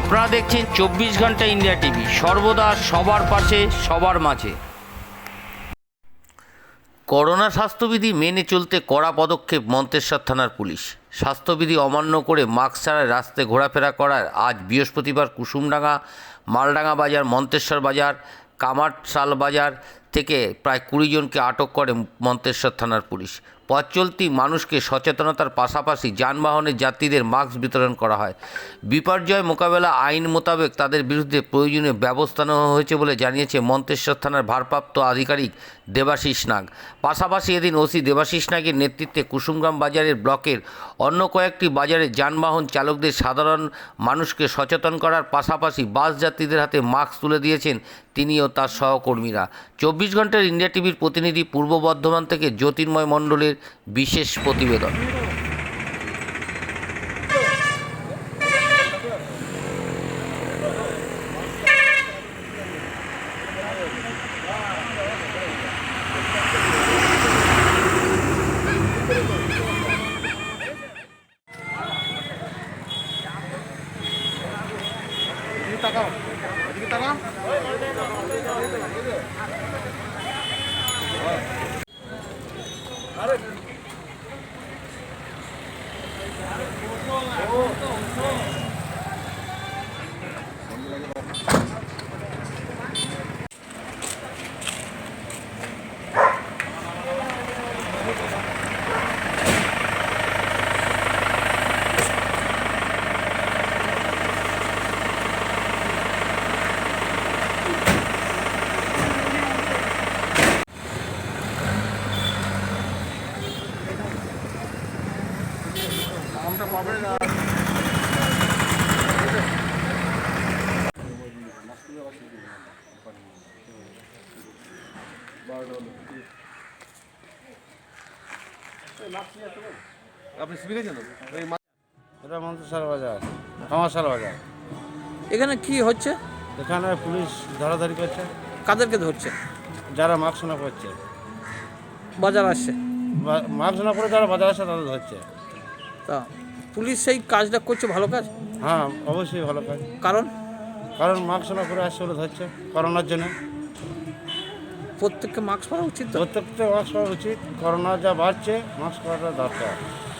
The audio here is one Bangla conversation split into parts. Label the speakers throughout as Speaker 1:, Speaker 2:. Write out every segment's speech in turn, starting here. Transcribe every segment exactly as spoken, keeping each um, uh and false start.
Speaker 1: আপনারা দেখছেন চব্বিশ ঘন্টা ইন্ডিয়া টিভি, সর্বদা সবার পাশে সবার মাঝে। করোনা স্বাস্থ্যবিধি মেনে চলতে কড়া পদক্ষেপ মন্তেশ্বর থানার পুলিশ। স্বাস্থ্যবিধি অমান্য করে মাস্ক ছাড়াই রাস্তায় ঘোরাফেরা করার আজ বৃহস্পতিবার কুসুমডাঙ্গা, মালডাঙ্গা বাজার, মন্তেশ্বর বাজার, কামারশাল বাজার থেকে প্রায় কুড়ি জনকে আটক করে মন্তেশ্বর থানার পুলিশ। পথ চলতি মানুষকে সচেতনতার পাশাপাশি যানবাহনের যাত্রীদের মাস্ক বিতরণ করা হয়। বিপর্যয় মোকাবেলা আইন মোতাবেক তাদের বিরুদ্ধে প্রয়োজনীয় ব্যবস্থা নেওয়া হয়েছে বলে জানিয়েছে মন্তেশ্বর থানার ভারপ্রাপ্ত আধিকারিক দেবাশিস নাগ। পাশাপাশি এদিন ওসি দেবাশিস নাগের নেতৃত্বে কুসুমগ্রাম বাজারের ব্লকের অন্য কয়েকটি বাজারে যানবাহন চালকদের সাধারণ মানুষকে সচেতন করার পাশাপাশি বাস যাত্রীদের হাতে মাস্ক তুলে দিয়েছেন তিনি ও তার সহকর্মীরা। চব্বিশ ঘন্টার ইন্ডিয়া টিভির প্রতিনিধি পূর্ব বর্ধমান থেকে জ্যোতির্ময় মণ্ডলের বিশেষ প্রতিবেদন।
Speaker 2: আপনি শিখেছেন এটা মন্তেশ্বর বাজার, কামারশাল বাজার।
Speaker 3: এখানে কি হচ্ছে?
Speaker 2: এখানে পুলিশ ধরাধরি করছে,
Speaker 3: কাদেরকে ধরছে?
Speaker 2: যারা মাস্ক না পরছে,
Speaker 3: বাজার আসছে।
Speaker 2: মাস্ক না পরে যারা বাজার আসছে তাদের ধরছে।
Speaker 3: তা পুলিশ সেই কাজটা করছে, ভালো কাজ।
Speaker 2: হ্যাঁ, অবশ্যই ভালো কাজ।
Speaker 3: কারণ
Speaker 2: কারণ মাস্ক না পরে আসছে বলে ধরছে করোনার জন্য।
Speaker 3: প্রত্যেককে মাস্ক পরা উচিত তো।
Speaker 2: প্রত্যেকটা মাস্ক পরা উচিত। করোনা যা বাড়ছে, মাস্ক পরাটা দরকার।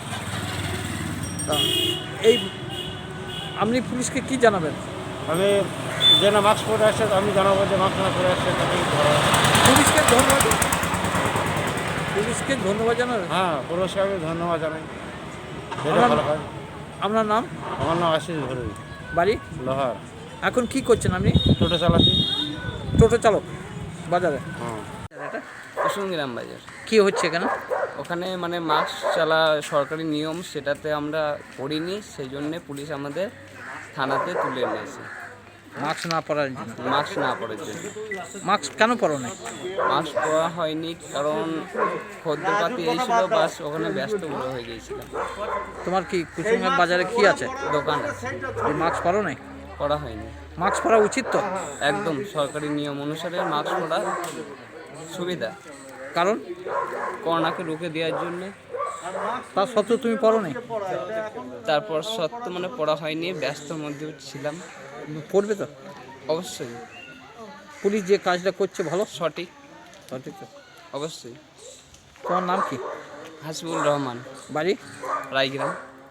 Speaker 3: তা এই আপনি পুলিশকে কি জানাবেন?
Speaker 2: আমি যে না মাস্ক পরে আসছে আমি জানাবো যে মাস্ক না পরে আসছে তাকে ধরা।
Speaker 3: পুলিশকে ধন্যবাদ, পুলিশকে ধন্যবাদ জানাবেন।
Speaker 2: হ্যাঁ, পুরস্কারকে ধন্যবাদ জানাই। এটা
Speaker 3: আমার-
Speaker 2: ভালো কাজ।
Speaker 3: আপনার নাম?
Speaker 2: আমার নাম আশিস ভরুই,
Speaker 3: বাড়ি?
Speaker 2: লোহার।
Speaker 3: এখন কি করছেন আপনি?
Speaker 2: টোটো চালাচ্ছি।
Speaker 3: টোটো চালক বাজারে।
Speaker 2: হ্যাঁ,
Speaker 3: এটা
Speaker 4: কুসুমগ্রাম বাজার।
Speaker 3: কি হচ্ছে এখানে?
Speaker 4: ওখানে মানে মাস্ক চালা সরকারি নিয়ম, সেটাতে আমরা করিনি, সেই জন্যে পুলিশ আমাদের থানাতে তুলে নিয়েছে
Speaker 3: মাস্ক না পরার জন্য।
Speaker 4: মাস্ক না পরার জন্য।
Speaker 3: মাস্ক কেন পরো না?
Speaker 4: মাস্ক পরা হয়নি কারণ খদ্দেরপাতি এসেছিল, বাস ওখানে ব্যস্ত বড় হয়ে গিয়েছিলাম।
Speaker 3: তোমার কি কুসুমগ্রাম বাজারে কি আছে?
Speaker 4: দোকান আছে,
Speaker 3: মাস্ক পরো নাই?
Speaker 4: পরা হয়নি।
Speaker 3: মাস্ক পরা উচিত তো।
Speaker 4: একদম সরকারি নিয়ম অনুসারে মাস্ক পরা সুবিধা,
Speaker 3: কারণ
Speaker 4: করোনাকে রুখে দেওয়ার জন্যে।
Speaker 3: তা সত্ত্বেও তুমি পরো নাই?
Speaker 4: তারপর সত্য মানে পড়া হয়নি, ব্যস্তর মধ্যেও ছিলাম।
Speaker 3: পড়বে তো
Speaker 4: অবশ্যই
Speaker 3: পুলিশ যে কাজটা করছে ভালো,
Speaker 4: সঠিক,
Speaker 3: সঠিক তো।
Speaker 4: অবশ্যই।
Speaker 3: তোমার নাম কি?
Speaker 4: হাসিবুল রহমান,
Speaker 3: বাড়ি?
Speaker 4: রায়গ্রাম।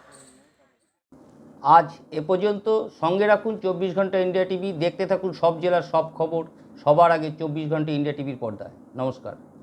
Speaker 1: আজ এ পর্যন্ত। সঙ্গে রাখুন চব্বিশ ঘন্টা ইন্ডিয়া টিভি। দেখতে থাকুন সব জেলার সব খবর সবার আগে চব্বিশ ঘন্টা ইন্ডিয়া টিভির পর্দায়। নমস্কার।